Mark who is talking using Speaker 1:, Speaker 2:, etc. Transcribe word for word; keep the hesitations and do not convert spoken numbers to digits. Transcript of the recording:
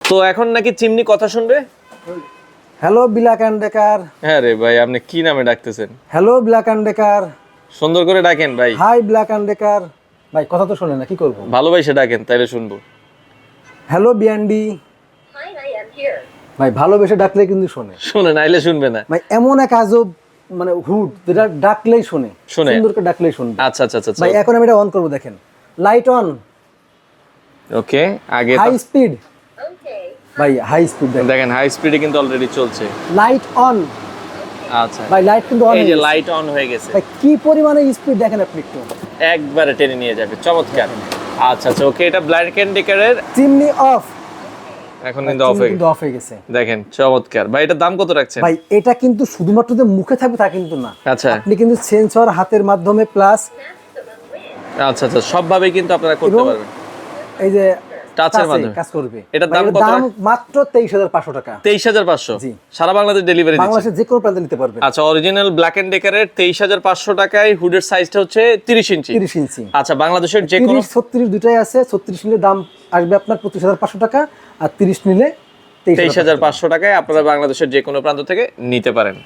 Speaker 1: তো এখন নাকি চিমনি কথা শুনবে।
Speaker 2: Hello Black and Decker.
Speaker 1: হ্যাঁ রে ভাই, আপনি কি নামে ডাকতেছেন?
Speaker 2: Hello Black and Decker.
Speaker 1: সুন্দর করে ডাকেন ভাই।
Speaker 2: Hi Black and Decker. ভাই কথা তো শোনে না, কি করব?
Speaker 1: ভালোবাসে ডাকেন, তাইলে শুনবো।
Speaker 2: হ্যালো বিয়ান্ডি।
Speaker 3: Hi, I am here.
Speaker 2: ভাই ভালোবেসে ডাকলে কিন্তু শোনে।
Speaker 1: শুনে নাইলে শুনবে না।
Speaker 2: ভাই এমন এক আজব মানে হুড, যেটা ডাকলেই শোনে,
Speaker 1: শোনে।
Speaker 2: সুন্দর করে ডাকলেই শুনবে।
Speaker 1: আচ্ছা আচ্ছা আচ্ছা
Speaker 2: ভাই এখন আমি এটা অন করব, দেখেন লাইট অন,
Speaker 1: ওকে। আগে
Speaker 2: হাই স্পিড।
Speaker 3: Okay.
Speaker 2: ভাই হাই স্পিড দেখেন,
Speaker 1: দেখেন হাই স্পিডে কিন্তু অলরেডি চলছে।
Speaker 2: Light on.
Speaker 1: আচ্ছা,
Speaker 2: ভাই লাইট কিন্তু অন,
Speaker 1: এই যে লাইট অন হয়ে গেছে।
Speaker 2: ভাই কি পরিমাণে স্পিড দেখেন আপনি একটু,
Speaker 1: একবারে টেনে নিয়ে যাবে, চমৎকার। আচ্ছা আচ্ছা ওকে, এটা ব্ল্যাক এন্ড ডেকারের
Speaker 2: চিমনি অফ।
Speaker 1: এখন কিন্তু অফ হয়ে
Speaker 2: কিন্তু অফ হয়ে গেছে।
Speaker 1: দেখেন চমৎকার। ভাই এটার দাম কত রাখছেন?
Speaker 2: ভাই এটা কিন্তু শুধুমাত্র যে মুখে থাকবে তা কিন্তু না,
Speaker 1: আচ্ছা
Speaker 2: আপনি কিন্তু সেন্সর হাতের মাধ্যমে প্লাস
Speaker 1: আচ্ছা আচ্ছা সবভাবে কিন্তু আপনারা করতে
Speaker 2: এবং
Speaker 1: পারবেন।
Speaker 2: এই যে
Speaker 1: টাচের
Speaker 2: টাচে
Speaker 1: মাধ্যমে
Speaker 2: কাজ করবে।
Speaker 1: এটার
Speaker 2: ভাই,
Speaker 1: দাম
Speaker 2: এটার
Speaker 1: কত?
Speaker 2: দাম মাত্র তেইশ হাজার পাঁচশো টাকা।
Speaker 1: তেইশ হাজার পাঁচশো।
Speaker 2: জি।
Speaker 1: সারা বাংলাদেশ ডেলিভারি দিচ্ছে।
Speaker 2: বাংলাদেশের যে কোনো প্রান্তে নিতে পারবেন।
Speaker 1: আচ্ছা, অরিজিনাল ব্ল্যাক এন্ড ডেকারের তেইশ হাজার পাঁচশো টাকায়, হুডের সাইজটা হচ্ছে তিরিশ ইঞ্চি।
Speaker 2: তিরিশ ইঞ্চি।
Speaker 1: আচ্ছা, বাংলাদেশের যে কোনো
Speaker 2: তিরিশ ছত্রিশ দুটাই আছে। ছত্রিশ নিলে দাম আসবে আপনার পঁচিশ হাজার পাঁচশো টাকা, আর তিরিশ নিলে
Speaker 1: তেইশ হাজার পাঁচশো টাকায় আপনারা বাংলাদেশের যে কোনো প্রান্ত থেকে নিতে পারেন।